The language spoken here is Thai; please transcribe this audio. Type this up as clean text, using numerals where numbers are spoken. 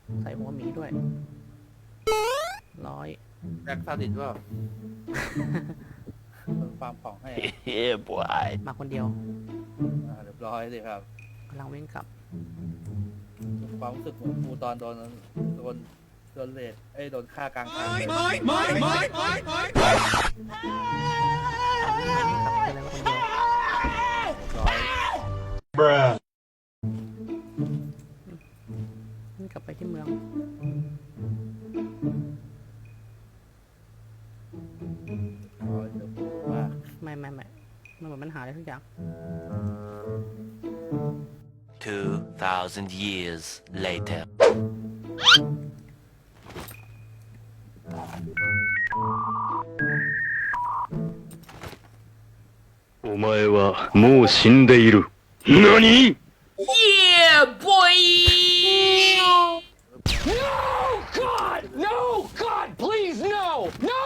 ใส่หัวหมีด้วยแจ็คซาดิสว่าฟาร์มของให้ Yeah, boy. มาคนเดียวเรียบร้อยเลยครับกำลังวิ่งกลับความรู้สึกเหมือนกูตอนโดนเลดโดนฆ่ากลางทางเลยกลับไปเลยมาคนเดียวเรียบร้อยวิ่งกลับไปที่เมืองเดี๋ยวกูว่าไม่มันเหมือนมันหาอะไรทุกอย่าง 2,000 years later. お前はもう死んでいる。何？ Yeah, boy! No, God! No, God, please, no! No!